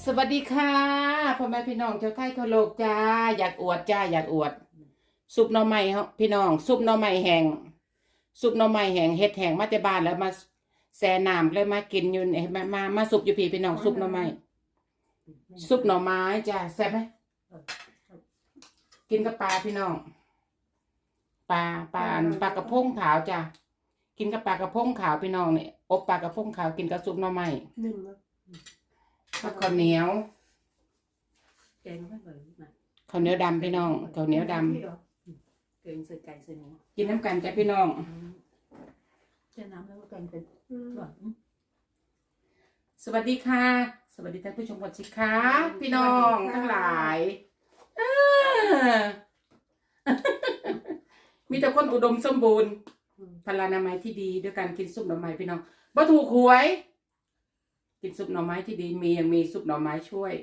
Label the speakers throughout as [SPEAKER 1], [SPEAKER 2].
[SPEAKER 1] สวัสดีค่ะพ่อแม่พี่น้องชาวไทยทั่วโลกจ้าอยากอวดจ้าอยากอวดซุปหน่อไม้พี่น้องซุปหน่อไม้แห้งซุปหน่อไม้แห้งเฮ็ดแห้งมาแต่บ้านแล้วมาแช่น้ำเลยมากินอยู่มาซุปอยู่พี่น้องซุปหน่อไม้ซุปหน่อไม้จ้าแซ่บไหมกินกับปลาพี่น้องปลากระพงขาวจ้ากินกับปลากระพงขาวพี่น้องเนี่ยอบปลากระพงขาวกินกับซุปหน่อไม้
[SPEAKER 2] หนึ่งนะ
[SPEAKER 1] ข้าวเหนียว
[SPEAKER 3] แกงไม่เหมือนนะ
[SPEAKER 1] ข้าวเหนียวดำพี่น้องข้าวเหนียวดำ
[SPEAKER 3] แกงใส่ไก่ใส่หมู
[SPEAKER 1] กินน้ำกันจ้ะพี่น้อง
[SPEAKER 3] แช่น้ำแล้วก็แกงเป็นหวาน
[SPEAKER 1] สวัสดีค่ะ สวัสดีท่านผู้ชมก่อนสิคะพี่น้องทั้งหลายมีแต่คนอุดมสมบูรณ์พลานามัยที่ดีด้วยการกินซุปหน่อไม้พี่น้องบ่ถูกหวย กินซุปหน่อไม้ที่ดียังมีซุปหน่อไม้ช่วย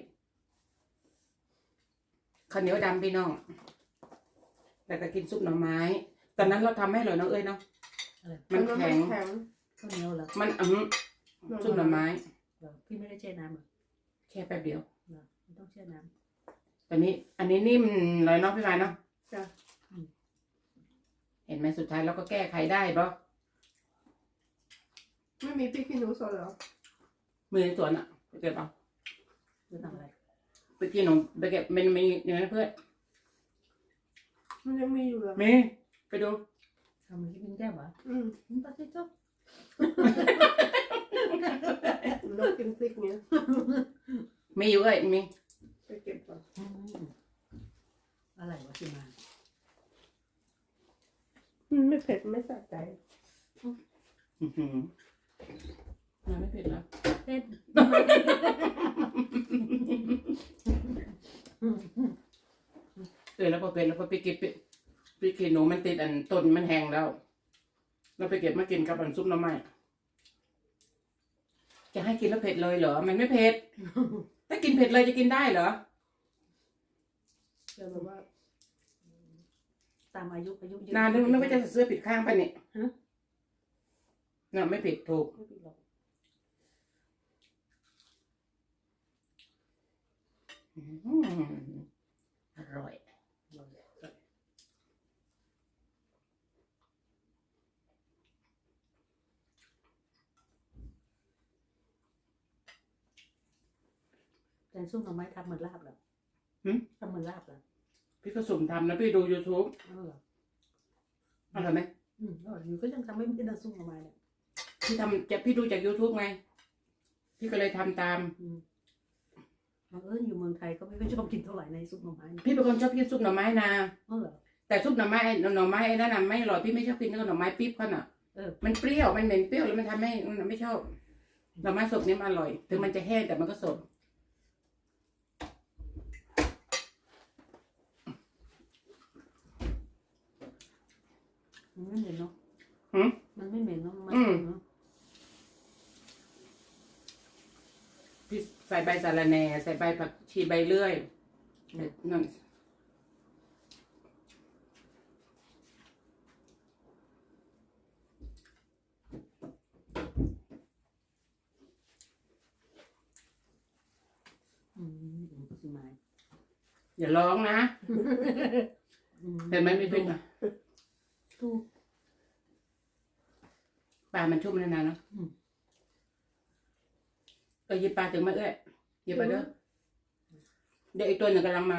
[SPEAKER 1] ข้าวเหนียวดำพี่น้องแต่ก็กินซุปหน่อไม้ตอนนั้นเราทำให้อร่อยน้องเอ้ยเนาะมันแข็ง
[SPEAKER 3] ข้าวเหนียวเหรอ
[SPEAKER 1] มันซุปหน่อไม้
[SPEAKER 3] พี่ไม่ได้แช่น้ำหรอ
[SPEAKER 1] แค่แป๊บเดียว
[SPEAKER 3] ไม่ต้องแช่น้ำ
[SPEAKER 1] อันนี้นิ่มเลยเนาะพี่ไม้เนาะ
[SPEAKER 2] จ้ะ
[SPEAKER 1] เห็นไหมสุดท้ายเราก็แก้ไขได้ปะ
[SPEAKER 2] ไม่มีพริกขี้หนูสดเหรอ
[SPEAKER 1] มือในสวนอ่ะไปเก็บเอา
[SPEAKER 3] จะทำอะไร
[SPEAKER 1] ไปกินหนมไปเก็บมันมีอย่างนั้นเพื่อน
[SPEAKER 2] มันยังมีอยู่เหรอ
[SPEAKER 1] มีไปดู
[SPEAKER 3] ทำอะไรกินแก้วเหรอ
[SPEAKER 2] มัน
[SPEAKER 3] ตัดสิจ๊อบ
[SPEAKER 2] เรากินพริกเนี้ย
[SPEAKER 1] มีอยู่เอ้ยมี
[SPEAKER 2] ไปเก็บก่อน
[SPEAKER 3] อะไรวะที่มา
[SPEAKER 2] ไม่เผ็ดไม่สะใจ
[SPEAKER 1] มันไม่เผ็ดแล้ว
[SPEAKER 3] เผ็ด
[SPEAKER 1] แล้วพอเป็นแล้วพอไปเก็บไปกินหนูมันติดต้นมันแห้งแล้วเราไปเก็บมากินกับซุปหน่อไม้จะให้กินแล้วเผ็ดเลยเหรอมันไม่เผ็ดถ้ากินเผ็ดเลยจะกินได้เหรอ
[SPEAKER 2] แต่แบบว่า
[SPEAKER 3] ตามอายุเยอะ
[SPEAKER 1] นานนึกว่าจะเสื้อผิดข้างไปนี่
[SPEAKER 3] ฮะ
[SPEAKER 1] น่ะไม่ผิดถูก
[SPEAKER 3] ไม่ผิดหรอก
[SPEAKER 1] อร่อย
[SPEAKER 3] แกงส้มหน่อไม้ทำเหมือนลาบเหรอทำเหมือนลาบเหรอ
[SPEAKER 1] พี่ก็สุ่มทำนะพี่ดู YouTube
[SPEAKER 3] เหรอ
[SPEAKER 1] อร่อยไหม
[SPEAKER 3] อยู่ก็ยังทำไม่ได้ส้มหน่อไม้เนี่ย
[SPEAKER 1] พี่ดูจาก YouTube ไงพี่ก็เลยทำตาม
[SPEAKER 3] อยู่เมืองไทยก็ไม่ค่อยชอบกินเท่าไหร่ในซุปหน่อไม้
[SPEAKER 1] พี่เป็นคนชอบกินซุปหน่อไม้นะ
[SPEAKER 3] เหรอ
[SPEAKER 1] แต่ซุปหน่อไม้ไอ้นั่นน่ะไม่อร่อยพี่ไม่ชอบกินกับหน่อไม้ปิ๊บเขาน่ะ มันเปรี้ยวมันเหม็นเปรี้ยวแล้วมันทำให้ไม่ชอบหน่อไม้สดนี่มันอร่อยถึงมันจะแห้งแต่มันก็สด
[SPEAKER 3] มันไม่เหม็นเนาะ
[SPEAKER 1] หืม
[SPEAKER 3] มันไม่เหม็นเนาะมันเนาะ
[SPEAKER 1] พี่ใส่ใบสะระแหน่ใส่ใบผักชีใบเลื่อยนั่น
[SPEAKER 3] สิมา
[SPEAKER 1] อย่าร้องนะเห็นไหมไม่เป็นอ่ะ
[SPEAKER 3] ถูก
[SPEAKER 1] ปลามันชุ่มนานๆเนาะหยิบปลาถึงมาเอ้ยหยิบไปเด้อเดี๋ยวอีกตัวหนึ่งกำลังมา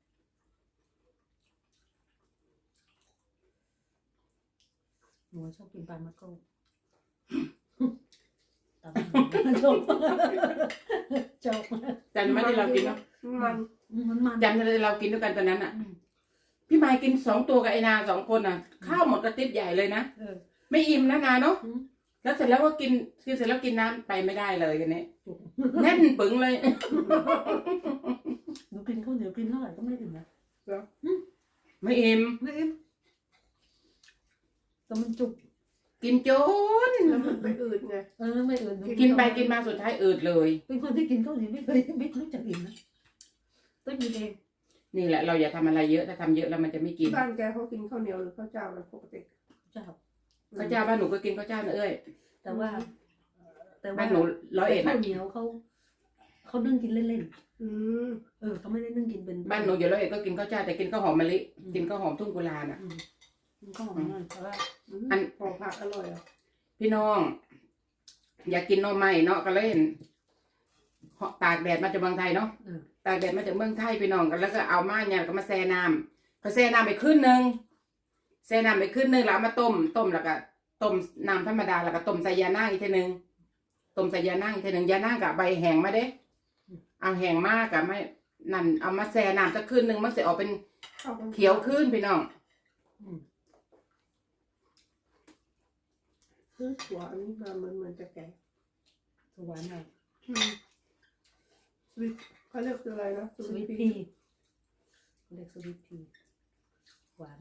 [SPEAKER 3] หนูชอบกินปลามาโก้จบจบ
[SPEAKER 1] จำไม่ได้เรากินเนาะ
[SPEAKER 3] มัน
[SPEAKER 1] จำได้เรากินด้วยกันตอนนั้นอ่ะพี่มายกิน2 ตัวกับไอ้นา2 คนอ่ะข้าวหมดกระติบใหญ่เลยนะไม่อิ่มนะนาเนาะแล้วเสร็จแล้วก็กินเสร็จแล้วกินน้ำไปไม่ได้เลยกันนี้แน่นปึงเลย
[SPEAKER 3] หนูกินข้าวเหนียวกินเท่าไหร่ก็ไม่ถึงนะ
[SPEAKER 1] ไม่อิ่ม
[SPEAKER 3] ไม่อิ่มแต่มันจุก
[SPEAKER 1] กินจน
[SPEAKER 2] แล้วมันไปอืดไง
[SPEAKER 3] ไม่อื่น
[SPEAKER 1] กินไปกินมาสุดท้ายอืดเลย
[SPEAKER 3] เป็นคนที่กินข้าวเหนียวไม่เคยไม่รู้จักอิ่มนะต้องกินเอง
[SPEAKER 1] นี่แหละเราอย่าทำอะไรเยอะถ้าทำเยอะแล้วมันจะไม่กิน
[SPEAKER 2] บ้านแกเขากินข้าวเหนียวหรือข้าวเจ้าอะไรปกติ
[SPEAKER 3] เจ้า
[SPEAKER 1] ข้าวเจ้าบ้านหนูก็กินข้าวเจ้านะเอ้ย
[SPEAKER 3] แต่ว่า
[SPEAKER 1] บ้านหนู101
[SPEAKER 3] ข้า
[SPEAKER 1] นะ
[SPEAKER 3] วเหนียวเขาเขานึ่งกินเล่น
[SPEAKER 2] อืม
[SPEAKER 3] ๆเขาไม่ได้นึ่งกินเป็น
[SPEAKER 1] บ้านหนูอยู่แล้วเอกก็กินข้าวเจ้าแต่กินข้าวหอมมะลิกินข้าวหอมทุ่งกุลาน่ะ
[SPEAKER 3] มันก็หอมหน่อยแต่ว่า
[SPEAKER 2] อันของผักอร่อยอ่ะ
[SPEAKER 1] พี่น้อง อยากกินหน่อไม้เนาะก็เล่นตากแดดมาจากเมืองไทยเนาะตากแดดมาจากเมืองไทยพี่น้องกันแล้วก็เอามาเนี่ยก็มาแช่น้ำพอแช่น้ำไปขึ้นนึงแช่น้ำไปขึ้นนึงแล้วเอามาต้มแล้วก็ต้มน้ำธรรมดาแล้วก็ต้มใส่ยานางอีกทีนึงต้มใส่ยานางอีกทีนึงยานางกับใบแห้งมาเด้เอาแห้งมากกับไม่นั่นเอามาแช่น้ำสักขึ้นนึงมันจะออกเป็นเขียวขึ้นพี่น้อง
[SPEAKER 2] ซื้อถั่วอันนี้มาเหมือนจะแก่
[SPEAKER 3] สวรรค์หน่อย
[SPEAKER 2] สวิตเขาเรียกคืออะไรนะ
[SPEAKER 3] สวิตพีเรียกสวิตพีหวาน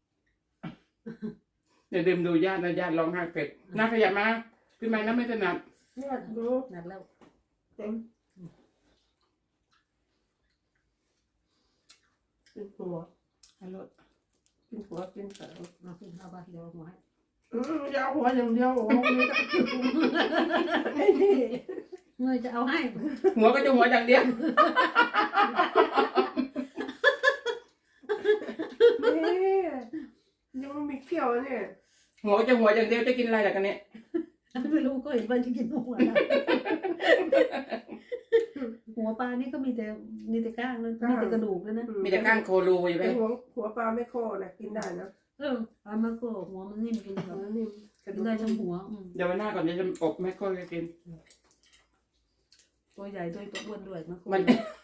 [SPEAKER 1] เดี๋ยวดื่มดูญาตินะญาติร้องไห้เป็ดน่าขยับมาพี่ไม้น่าไม่ถนัด
[SPEAKER 2] เนี่ยดู
[SPEAKER 3] นัดแล้ว
[SPEAKER 2] เต็มกินหัว
[SPEAKER 1] ฮัลโหล
[SPEAKER 2] กินหัวกินเสา
[SPEAKER 3] มาขึ้นเอาไปเดี๋ยวหัวให้
[SPEAKER 2] ยาวหัวอย่างเดียวโอ้โหไอ้นี่
[SPEAKER 3] เงยจะเอาให้
[SPEAKER 1] หัวก็จะหัวอย่างเดียว
[SPEAKER 2] นี่ยังมีเขี้ยวเนี่ย
[SPEAKER 1] หัวก็จะหัวอย่างเดียวจะกินอะไรล่ะกันเนี่ย
[SPEAKER 3] ไม่รู้ก็เห็นว่าจะกินหัวนะหัวปลานี่ก็มีแต่ก้างนั่นมีแต่กระดูกนั่นนะ
[SPEAKER 1] มีแต่ก้างโครูอยู่ไหม
[SPEAKER 2] แต่หัวปลาไม่โคนะกินได้นะ
[SPEAKER 3] เอามาโกหัวมันนิ่มกินแบบ
[SPEAKER 2] นิ่มกระดู
[SPEAKER 3] กิน
[SPEAKER 2] ก
[SPEAKER 3] ได้ทั้งหัว
[SPEAKER 1] เดี๋ยววันหน้าก่อนจะอบแม่โคตรกิน
[SPEAKER 3] ตัวใหญ่ด้วยตัวอ้วนด้วยมา
[SPEAKER 1] มัน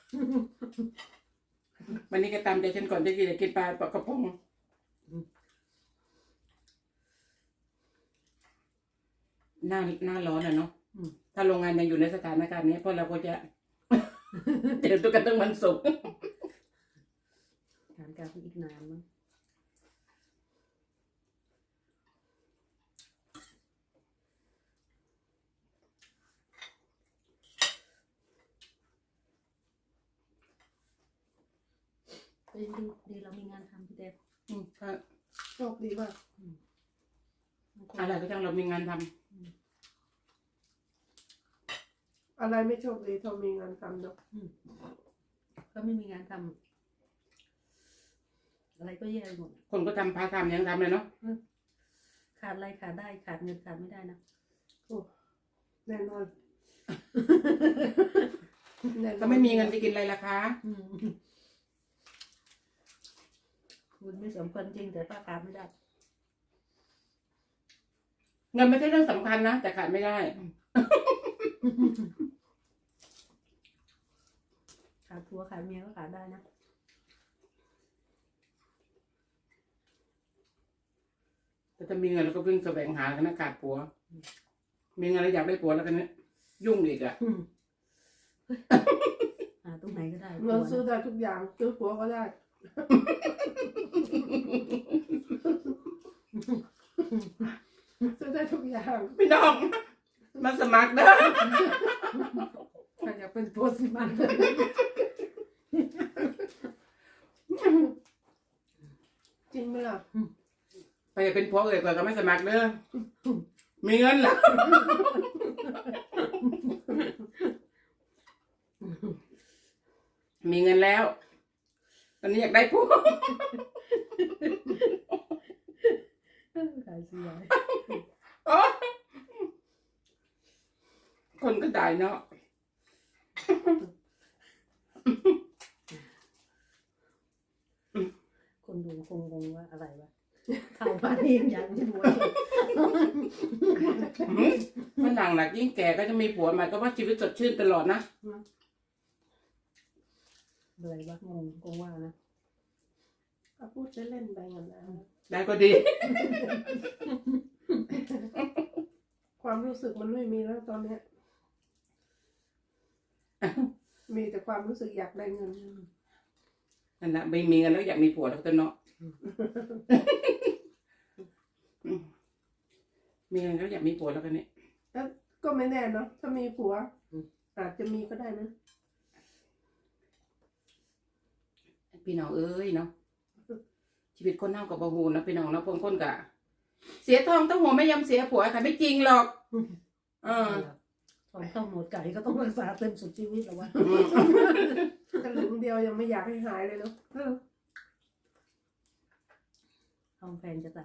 [SPEAKER 1] วันนี้ก็ตามใจฉันก่อนจะกินปลากระพงหน้าร้อนอ่ะเนาะถ้าโรงงานยังอยู่ในสถานการณ์นี้พวกเราก็จะ เจอตัวกันตั้งวันศุกร์
[SPEAKER 3] การการอีกนานมั้งดีเรามีงานทำพี่เดฟ
[SPEAKER 2] โชคดีมาก
[SPEAKER 1] อะไรก็ช่างเรามีงานทำ
[SPEAKER 2] อะไรไม่โชคดีเท่ามีงานทำเนาะ
[SPEAKER 3] ก็ไม่มีงานทำอะไรก็แย่หมด
[SPEAKER 1] คนก็ทำพาทำยังทำเลยเนาะ
[SPEAKER 3] ขาดอะไรขาดได้ขาดเงินขาดไม่ได้นะ
[SPEAKER 2] แน่นอนแน่นอน
[SPEAKER 1] ก็ไม่มีเงินจะกินอะไรล่ะคะ
[SPEAKER 3] คุณไม่สมควรจริงแต่ป้าขาดไม่ได้
[SPEAKER 1] เงินไม่ใช่เรื่องสำคัญนะแต่ขาดไม่ได้
[SPEAKER 3] ขาดผัวขาดเมียก็ขาดได้นะ
[SPEAKER 1] แต่ถ้ามีเงินเราก็วิ่งแสวงหากันนะขาดผัว มีเงินแล้วอยากได้ผัวแล้วกันเนี่ยยุ่งอีกอ่ะ
[SPEAKER 3] หาตรงไหนก็ได้
[SPEAKER 2] เงินซื้อได้ทุกอย่างซื้อหัวก็ได้ซื้อได้ทุกอย่าง
[SPEAKER 1] พี่น้องมาสมัครเด้อ
[SPEAKER 3] ใครอยากเป็นตัวสิมัน
[SPEAKER 2] จริงไหมล่ะ
[SPEAKER 1] ไปเป็นผัวเอ่ยก่อนก็ไม่สมัครเด้อมีเงินแล้วมีเงินแล้ว ตอนนี้อยากได้ผัว
[SPEAKER 3] ขายเสีย
[SPEAKER 1] คนก็ได้เนาะ
[SPEAKER 3] คนดูคงงงว่าอะไรวะเข้าบ้านนี่ยังไม่รู้
[SPEAKER 1] มันหนังหนักยิ่งแก่ก็จะมีผัวใหม่ก็ว่าชีวิตสดชื่นตลอดนะ
[SPEAKER 3] อะไรวะงงคงว่านะ
[SPEAKER 2] ก็พูดเล่นๆไปงั้นนะ
[SPEAKER 1] ได้ก็ดี
[SPEAKER 2] ความรู้สึกมันไม่มีแล้วตอนเนี้ยมีแต่ความรู้สึกอยากได้เงิน
[SPEAKER 1] นั่นแหละไม่มีเงินแล้วอยากมีผัวแล้วตัวเนาะ มีเงินแล้วอยากมีผัวแล้วกันเนี่ย
[SPEAKER 2] แล้วก็ไม่แน่เนาะถ้ามีผัวอาจจะมีก็ได้นะ
[SPEAKER 1] พี่น้องเอ้ยเนาะชีวิตคนเฮากับบาฮูนะพี่น้องเนาะคนกะเสียทองต้องหัวไม่ยำเสียผัวค่ะไม่จริงหรอก
[SPEAKER 3] ถอนเข้าหมดไก่ก็ต้องรักษาเต็มสุดชีวิตแล้ววะ
[SPEAKER 2] สลึงเดียวยังไม่อยากให้หายเลยเนาะ
[SPEAKER 3] ทองแพงจะตาย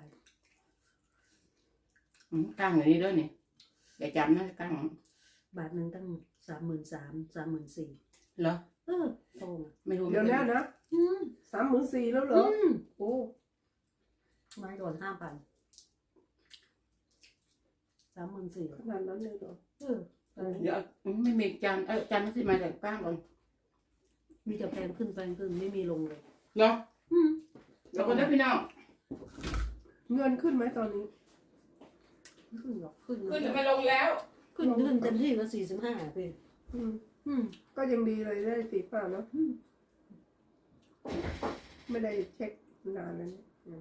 [SPEAKER 1] กั้งอย่างนี้ด้วยนี่อย่าจำนะกั้ง
[SPEAKER 3] บาทหนึ่งตั้ง33,000 34,000
[SPEAKER 1] เหรอ
[SPEAKER 3] โตง
[SPEAKER 1] ไม่รู้
[SPEAKER 2] เดี๋ยว
[SPEAKER 1] ไม่
[SPEAKER 2] นี้
[SPEAKER 1] รู้
[SPEAKER 2] นะ
[SPEAKER 3] อืม
[SPEAKER 2] 34,000แล้วเหรอโอ้
[SPEAKER 3] ไม้ก่อน5,000 34,000
[SPEAKER 2] ขนาดนั้นเลยเหรอ
[SPEAKER 1] เดี๋ยวไม่มีจานจานที่มาจากกั้งก่อน
[SPEAKER 3] มีแต่แพงขึ้นไม่มีลงเลย
[SPEAKER 1] เหรอเราก็ได้พี่น้อง
[SPEAKER 2] เงินขึ้นไหมตอนนี้
[SPEAKER 3] ขึ้นหรอกขึ้น
[SPEAKER 1] ขึ้นหรือไม่ลงแล้ว
[SPEAKER 3] ขึ้นเต็มที่ก็45พี่
[SPEAKER 2] อืม
[SPEAKER 3] อืม
[SPEAKER 2] ก็ยังดีเลยได้45เนาะไม่ได้เช็คนานแล้วเนี่ยอืม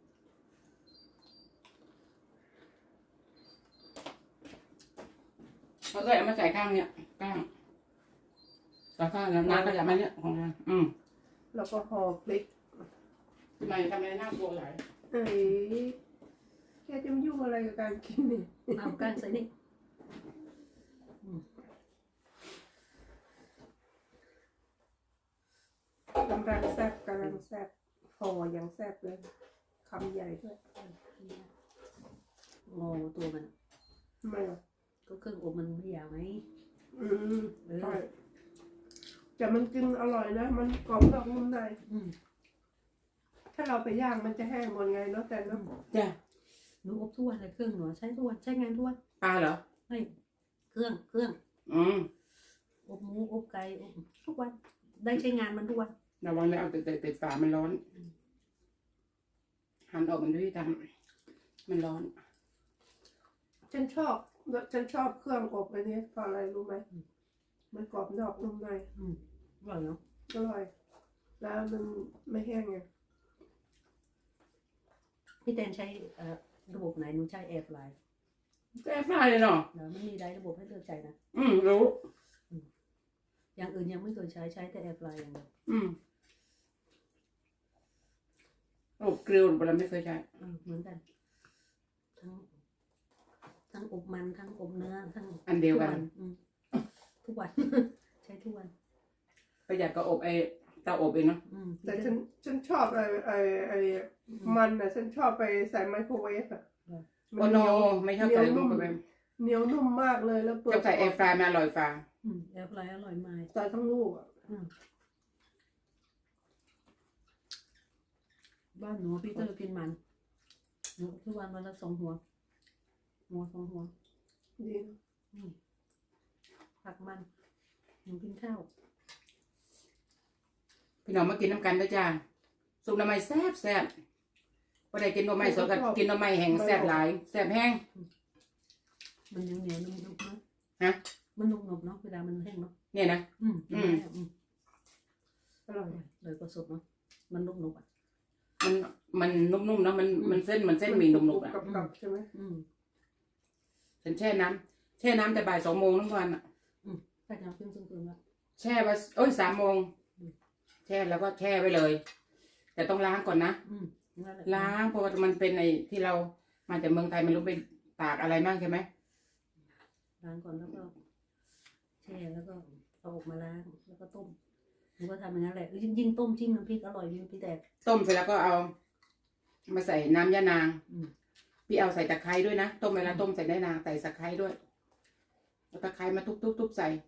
[SPEAKER 1] เขาก็เอามาใส่ข้างเนี่ยก้างแต่ข้างแล้วน้ำก็จะมาเนี่ยของเรา
[SPEAKER 2] แล้วก็ห่อพริก
[SPEAKER 1] ทำไมทำไมน่ากลัวหลาย
[SPEAKER 2] เอ้ยแกจะมายุ่งอะไรกับการกินนี่
[SPEAKER 3] เอาก้านใส่นี่
[SPEAKER 2] กำลังแซ่บกำลังแซ่บห่ออย่างแซ่บเลยคำใหญ่ด้วย
[SPEAKER 3] งอตัวมัน
[SPEAKER 2] ทำไมอ่ะ
[SPEAKER 3] ก็เครื่องอบมันไม่ยาวไหม
[SPEAKER 2] อืมใช่แต่มันกินอร่อยนะ มันกรอบนอกนุ่มใน
[SPEAKER 3] อืม
[SPEAKER 2] ถ้าเราไปย่างมันจะแห้งหมดไงเนาะแต่เนาะ
[SPEAKER 1] จ้ะ
[SPEAKER 3] หนูอบทุกวันเลยเครื่องหนูใช้ทุกวันใช้งานทุกวัน
[SPEAKER 1] ปลาเหรอ
[SPEAKER 3] ไม่เครื่อง อบหมูอบไก่อบทุกวันได้ใช้งานมันทุกวัน
[SPEAKER 1] ระวังแล้วเอาติดฝามันร้อนหันออกมันด้วยทำมันร้อน
[SPEAKER 2] ฉันชอบเครื่องอบอันนี้เพราะอะไรรู้ไหมมันกรอบนอกนุ่มใน
[SPEAKER 3] อร่อยเนาะ
[SPEAKER 2] อร่อย แล้วมันไม่แห้งไง
[SPEAKER 3] พี่แตนใช้ระบบไหนหนูใช้แอร์ฟลาย
[SPEAKER 1] แซ่บมากเลยเนาะ
[SPEAKER 3] แล้วมันมีได้ระบบให้เลือกใจนะ
[SPEAKER 1] รู้
[SPEAKER 3] อย่างอื่นยังไม่เคยใช้แต่แอร์ฟลายอย่างเดียว
[SPEAKER 1] อบกริลเราไม่เคยใช้
[SPEAKER 3] เหมือนกันทั้งอบมันทั้งอบเนื้อทั้ง
[SPEAKER 1] อันเดียวกัน
[SPEAKER 3] ทุกวัน ใช้ทุกวัน
[SPEAKER 1] ประหยัดก็อบเตาอบเองเนาะ
[SPEAKER 2] แต่ฉันชอบไอ้มันอ่ะฉันชอบไปใส่ไมโครเวฟอ่ะ
[SPEAKER 1] โอโนไม่ชอบใส่ลงไปแบบ
[SPEAKER 2] เหนียวนุ่มมากเลยแล้วเปลื
[SPEAKER 1] ชอบใส่แอร์ฟรายมาอร่อยฟ้า
[SPEAKER 3] แอร์ฟลายอร่อยมาก
[SPEAKER 2] ใส่ทั้งลูกอ่ะ
[SPEAKER 3] บ้านหนูพี่เตอร์กินมันหนูทุกวันวันละ2 หัว2 หัว
[SPEAKER 2] ดี
[SPEAKER 3] ผักมันหนูกินข้าว
[SPEAKER 1] พี่น้องมากินน้ำกันด้วยจ้าซุปหน่อไม้แซ่บพอได้กินหน่อไม้สดกับกินหน่อไม้แห้งแซ่บหลายแซ่บแห้ง
[SPEAKER 3] มันเหนียวนุ่มๆเนาะ
[SPEAKER 1] ฮะ
[SPEAKER 3] มันนุ่มๆเนาะเวลามันแห้งเนาะ
[SPEAKER 1] เนี่ยนะ
[SPEAKER 2] อร่อย
[SPEAKER 3] เลยก็สดเนาะมันนุ่มๆอ่ะ
[SPEAKER 1] มันนุ่มๆเนาะมันเส้นหมี่นุ่มๆอ่ะ
[SPEAKER 2] กับใช่ไหม
[SPEAKER 1] ฉันแช่น้ำแต่บ่าย2 โมงทั้งวันอ่ะ
[SPEAKER 3] ถ้าจะเอาขึ้นซึ่งๆละ
[SPEAKER 1] แช่ไป3 โมงแช่แล้วก็แช่ไว้เลย แต่ต้องล้างก่อนนะ
[SPEAKER 3] นั่นแหละ
[SPEAKER 1] ล้างเพราะว่ามันเป็นไอ้ที่เรามาจากเมืองไทยไม่รู้ไปตากอะไรมากใช่ไหม
[SPEAKER 3] ล้างก่อนแล้วก็แช่แล้วก็เอาออกมาล้างแล้วก็ต้มหนูก็ทำอย่างนั้นแหละยิ่งต้มจิ้มน้ำพริกอร่อยยิ่งพี่แต่
[SPEAKER 1] ต้มเสร็จแล้วก็เอามาใส่น้ำยะนาง พี่เอาใส่ตะไคร้ด้วยนะต้มเวลาต้มใส่ได้นางใส่ตะไคร้ด้วยเอาตะไคร้มาทุบใส่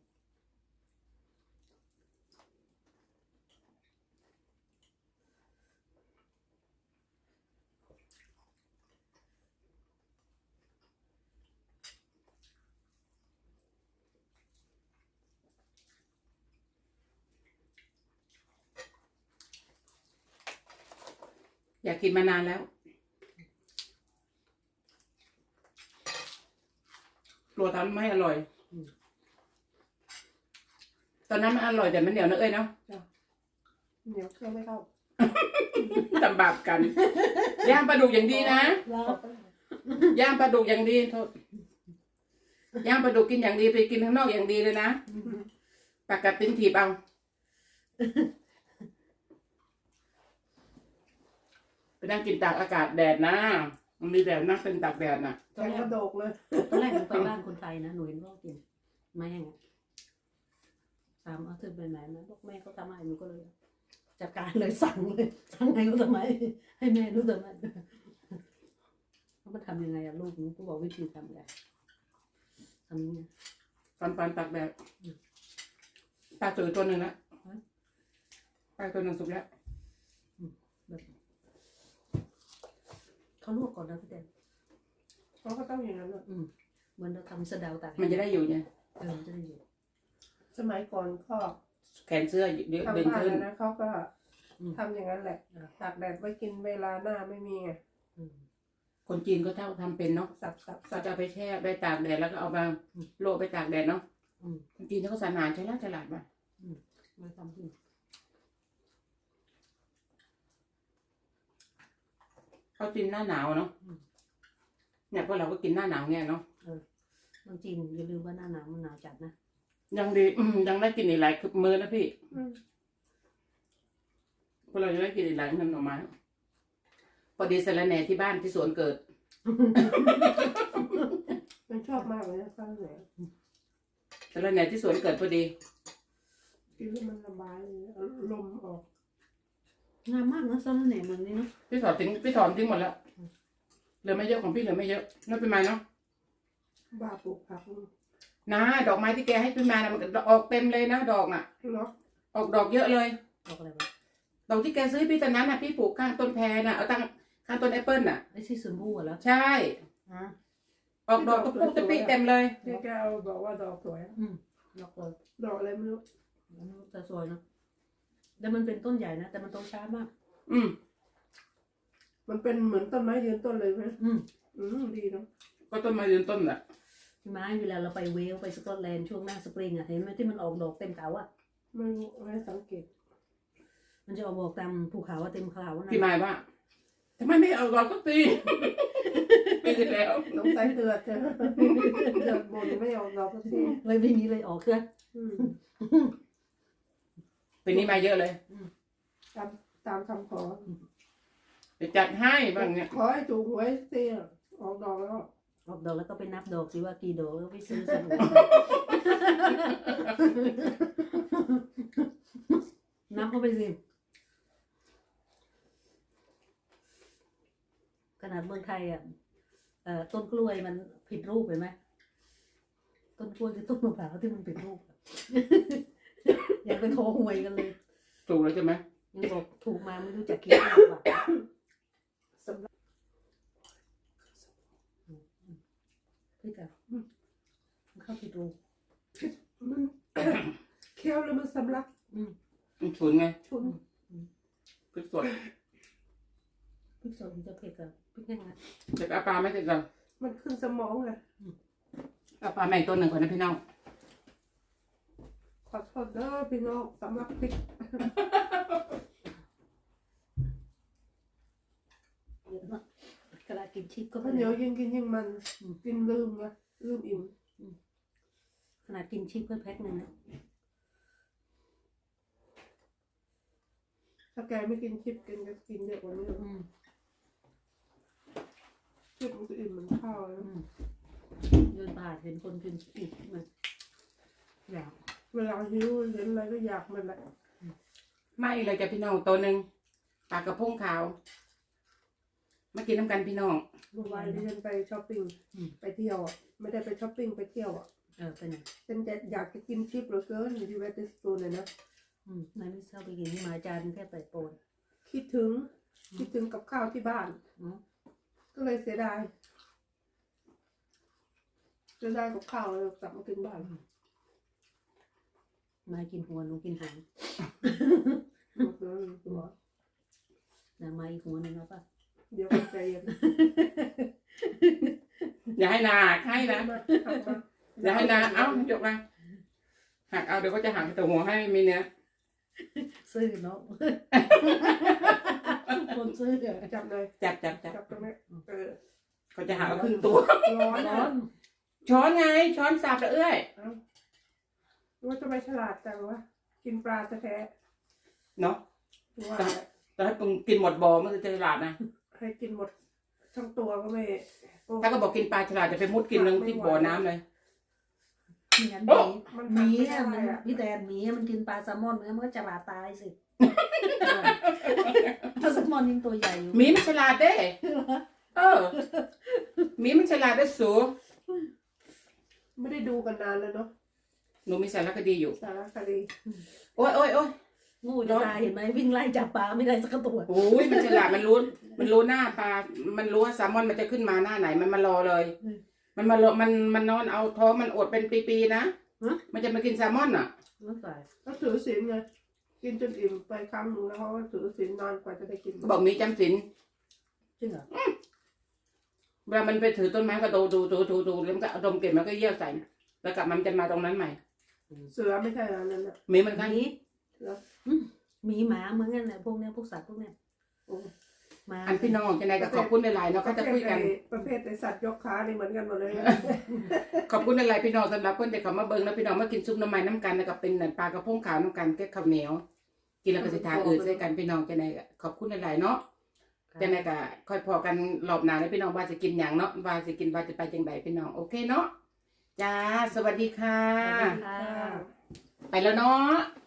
[SPEAKER 1] อยากกินมานานแล้วกลัวทำไม่อร่อย ตอนนั้นมันอร่อยแต่มันเหนียวนะเอ้ยเนาะ
[SPEAKER 2] เหนียวเครื่องไม่เข้า
[SPEAKER 1] ทำบาปกัน ย่างปลาดุกอย่างดีนะ
[SPEAKER 3] แล้ว
[SPEAKER 1] ย่างปลาดุกอย่างดีโทษย่างปลาดุกกินอย่างดีไปกินข้างนอกอย่างดีเลยนะปากกัดติ้นถีบเอาไปนั่งกินตากอากาศแดดนะมันมีแดดนั่งเป็นตากแดดน่ะ
[SPEAKER 2] แข็งกระโดกเลย
[SPEAKER 3] ตอนแรกหนูไปบ้านคนไทยนะหนูเห็นพ่อกินไม่แห้งอะถามเอาเธอไปไหนนะบอกแม่เขาทำให้หนูก็เลยจัดการเลยสั่งเลยสั่งให้เขาทำไมให้แม่รู้ทำไมเขามาทำยังไงอะลูกหนูก็บอกวิธีทำไงทำยังไง
[SPEAKER 1] ปันตักแดดปลาสวยตัวหนึ่งละปลาตัวหนึ่งสุกแล้ว
[SPEAKER 3] แบบเขาลวกก่อนนะพี่แดน
[SPEAKER 2] เขาก็ต้องอย่างนั้นอะ
[SPEAKER 3] เหมือนเราทำสะเดาตาก
[SPEAKER 1] มันจะได้อยู่เนี่ย
[SPEAKER 3] มันจะได้อยู่
[SPEAKER 2] สมัยก่อนก็
[SPEAKER 1] แขนเสื้อเยอะ
[SPEAKER 2] ทำ
[SPEAKER 1] เด่น
[SPEAKER 2] บ้าน
[SPEAKER 1] ขึ้น
[SPEAKER 2] นะเขาก็ทำอย่างนั้นแหละตากแดดไว้กินเวลาหน้าไม่มีไง
[SPEAKER 1] คนจีนก็เท่าทำเป็นเนาะ
[SPEAKER 2] สับ
[SPEAKER 1] เขาจะเอาไปแช่ไปตากแดดแล้วก็เอามาโรยไปตากแดดเนาะคนจีนเขาก็สานานฉลาดมา
[SPEAKER 3] มาทำที่
[SPEAKER 1] เขากินหน้าหนาวเนาะเนี่ยพวกเราก็กินหน้าหนาวเนี่ยเนาะ
[SPEAKER 3] บางจีนอย่าลืมว่าหน้าหนาวมันหนาวจัดนะ
[SPEAKER 1] ยังดียังได้กินอีกหลายมื้อนะพี่พวกเราจะได้กินอีกหลายมื้อหน่อไม้พอดีสะระแหน่ที่บ้านที่สวนเกิด
[SPEAKER 2] มันชอบมากเลยนะข้าวเหนียว
[SPEAKER 1] สะระแหน่ที่สวนเกิดพอดี
[SPEAKER 2] กินแล้วมันระบายเลยลมออก
[SPEAKER 3] งามมากนะสะระแหน่เมืองนี้เนาะ
[SPEAKER 1] พี่ถอนทิ้งหมดแล้วเหลือไม่เยอะของพี่เหลือไม่เยอะนั่นเป็นไงเนาะ
[SPEAKER 2] บ้าปลูกผัก
[SPEAKER 1] นะดอกไม้ที่แกให้พี่มานะมันออกเต็มเลยนะดอกน่ะ
[SPEAKER 2] เนาะ
[SPEAKER 1] ออกดอกเยอะเลย
[SPEAKER 3] บอกอะไรวะ
[SPEAKER 1] ดอกที่แกซื้อพี่ตอนนั้นน่ะพี่ปลูกข้างต้นแพรน่ะเอาตั้งข้างต้นแอปเปิ้ลน่ะ
[SPEAKER 3] ไอ้ที่สมบูรณ์เหรอ
[SPEAKER 1] ใช่
[SPEAKER 3] ฮะ
[SPEAKER 1] ออกดอกตะปุกตะปิเต็มเลย
[SPEAKER 2] ที่แกเอาบอกว่าดอกสวย
[SPEAKER 3] ดอกเลย
[SPEAKER 2] ดอกอะไรไม่รู้
[SPEAKER 3] แต่สวยเนาะแต่มันเป็นต้นใหญ่นะแต่มันโตช้ามาก
[SPEAKER 2] มันเป็นเหมือนต้นไม้ยืนต้นเลยไหม ดีเนาะ
[SPEAKER 1] ก็ต้นไม้ยืนต้นน่ะ
[SPEAKER 3] พี่ไม้เวลาเราไปเวลไปสกอตแลนด์ช่วงหน้าสปริงอ่ะเห็นไหมที่มันออกดอกเต็มเขาอ่ะ
[SPEAKER 2] ไม่รู้ไม่สังเกต
[SPEAKER 3] มันจะออกดอกตามภูเขาอะเต็มเขานะ
[SPEAKER 1] พี่หมายว่าทำไมไม่เอาดอกก็ตีปีที่แล้ว
[SPEAKER 2] น้องใส่เดือดเจ้เดือดบนไม่ออกดอกสักที
[SPEAKER 3] เลยไม่มีเลยออกเครือ
[SPEAKER 1] ปีนี้มาเยอะเลย
[SPEAKER 2] ตามคำขอ
[SPEAKER 1] จะจัดให้บ้างเนี่ย
[SPEAKER 2] ขอให้ถูกหวยเสียออกดอกแล้ว
[SPEAKER 3] ออกดอกแล้วก็ไปนับดอกสิว่ากี่ดอกแล้วไปซื้อใส่หัวนับเข้าไปสิขนาดเมืองไทยอ่ะต้นกล้วยมันผิดรูปเห็นไหมต้นกล้วยคือต้นมะพร้าวที่มันผิดรูปอะ ยังไปขอหวยกันเลย
[SPEAKER 1] ถูกแล้วใช่ไหม
[SPEAKER 3] ยังบอกถูกมาไม่รู้จักคิดหรือเปล่า
[SPEAKER 2] สำหรับ
[SPEAKER 3] พี่กับมันเข้าผิดรูป
[SPEAKER 2] มันเคี้ยวแล้วมันสำลัก
[SPEAKER 1] มันฉุนไง
[SPEAKER 2] ชุน
[SPEAKER 1] พริกสด
[SPEAKER 3] พริกสดมันจะเผ็ดกับพริกแห้งนะ
[SPEAKER 1] เด็กเอาปลาไม่ติดกัน
[SPEAKER 2] มันขึ้นสมองไง
[SPEAKER 1] เอาปลาแม่งตัวหนึ่งก่อนนะพี่น้อง
[SPEAKER 2] ขอโทษเด้อพี่น้องสำหรับพริก
[SPEAKER 3] เยอะมากกระดาษกินชิปก็
[SPEAKER 2] ข้าวเหนียวยิ่งกินยิ่งมันกินลืมไงลืมอิ่ม
[SPEAKER 3] ขนาดกินชิปก็แพ็คหนึ่งนะ
[SPEAKER 2] ถ้าแกไม่กินชิปกินก็กินเยอะกว่านี้ชิปมันก็อิ่มเหมือนข้าวแล้ว
[SPEAKER 3] เดินผ่านเห็นคนกินชิปมันอยาก
[SPEAKER 2] เวลาหิวเห็นอะไรก็อยากมันแหละ
[SPEAKER 1] ไม่เลยจ้ะพี่น้องตัวหนึ่งปลากระพงขาวมากินน้ำกันพี่น้อง
[SPEAKER 2] เมื่อวานที่ฉันไปช้อปปิ้งไปเที่ยวอ่ะไม่ได้ไปช้อปปิ้งไปเที่ยวอ่ะ
[SPEAKER 3] ไปไหน
[SPEAKER 2] ฉันจะอยากจะกินชิปเหลือเกินอยู่ที่เวสต์สตูนเลยนะ
[SPEAKER 3] นายไม่ชอบไปกินที่มาจานแค่เปิดโปน
[SPEAKER 2] คิดถึงกับข้าวที่บ้าน ก็เลยเสียดายกับข้าวเลยกลับมากินบ้าน
[SPEAKER 3] มากินหัวหนูกินหาง
[SPEAKER 2] หมดเลยตัว
[SPEAKER 3] นางมาอีกหัวหนึ่งแล้วป่ะ
[SPEAKER 2] เดี๋ยวก็ใจเย็น
[SPEAKER 1] อย่าให้นาให้นะ
[SPEAKER 2] มาหักมา
[SPEAKER 1] อย่าให้นาเอ้าจบมาหักเอาเดี๋ยวก็จะหักตัวหัวให้มีเนื้อ
[SPEAKER 3] ซื้อเนาะ คนซื้อ
[SPEAKER 2] จับเลย
[SPEAKER 1] จับ
[SPEAKER 2] จับตรงนี้
[SPEAKER 1] เขาจะหักเอาครึ่งตัว
[SPEAKER 2] ร้อน
[SPEAKER 3] ร้
[SPEAKER 2] นะ
[SPEAKER 3] อน
[SPEAKER 1] ช้อนไงช้อนสับละเอ้ย
[SPEAKER 2] ว่าจะไม่ฉลาดจังวะกินปลาแท้
[SPEAKER 1] เนาะ
[SPEAKER 2] ๆว่า
[SPEAKER 1] แต่ถ้ากินหมดบ่อมันจะฉลาดนะ
[SPEAKER 2] ให้กินหมดทั้งตัวก็ไม่
[SPEAKER 1] ถ้าก็บอกกินปลาฉลาดจะไปมุดกินลงที่บ่อน้ำเลย
[SPEAKER 3] เหมือนหมีอะมันพี่แดนหมีอะมันกินปลาแซลมอนมันก็จะบาดตายสิปลาแซลมอนยิ่งตัวใหญ่อยู่
[SPEAKER 1] หมีมันฉลาดเด้เออหมีมันฉลาดได้สู
[SPEAKER 2] ไม่ได้ดูกันนานแล้วเนาะ
[SPEAKER 1] หนูมีสารคดีอยู่
[SPEAKER 2] สารคดี
[SPEAKER 1] โอ้ยโอ้ยโอ้ย
[SPEAKER 3] งูจะตายเห็นไหมวิ่งไล่จับปลาไม่ได้สักตัว
[SPEAKER 1] โอ้ยมันฉลาดมันรู้หน้าปลา มันรู้ว่าแซลมอนมันจะขึ้นมาหน้าไหนมันมารอเลย มันมารอมันนอนเอาท้องมันอดเป็นปีๆนะมันจะมากินแซลมอนอ่ะ
[SPEAKER 3] ไม่ใส่
[SPEAKER 2] ก็ถือศีลไงกินจนอิ่มไปครั้งหนึงแล้วเขาก็ถือศีลนานกว่าจะได้กิน
[SPEAKER 1] บอกมีจำศีล
[SPEAKER 3] จริงเหรอ
[SPEAKER 1] เวลามันไปถือต้นไม้ก็ดูแล้วมันก็เอาดมกลิ่นมันก็เยี่ยวใส่แล้วกลับมันจะมาตรงนั้นใหม่
[SPEAKER 2] เสือไม่ใช่อันนั้นน่ะ
[SPEAKER 1] หมีมันก็
[SPEAKER 3] หมีหมีหมาเหมือนกันเลยพวกเนี้ยพวกสัตว์พวกเนี้ย
[SPEAKER 2] โอ้
[SPEAKER 3] หมา
[SPEAKER 1] อันพี่น้องจะไหนก็ขอบคุณในไลน์เนาะเขาจะคุยกัน
[SPEAKER 2] ประเภทในสัตว์ยกขานี่เหมือนกันหมดเลย
[SPEAKER 1] ขอบคุณในไลน์พี่น้องสำหรับคนที่เขามาเบิ่งแล้วพี่น้องมากินซุปหน้ำมันน้ำกันแล้วก็เป็นปลากระพงขาวน้ำกันแก้ข้าวเหนียวกินแล้วก็สิทาใส่กันพี่น้องจะไหนก็ขอบคุณในไลน์เนาะจะไหนก็ค่อยพอกันรอบหน้าแล้วพี่น้องว่าจะกินอย่างเนาะว่าจะกินว่าจะไปจังใดพี่น้องโอเคเนาะจ้าสวัสดีค่ะ
[SPEAKER 3] ค่ะ
[SPEAKER 1] ไปแล้วเนาะ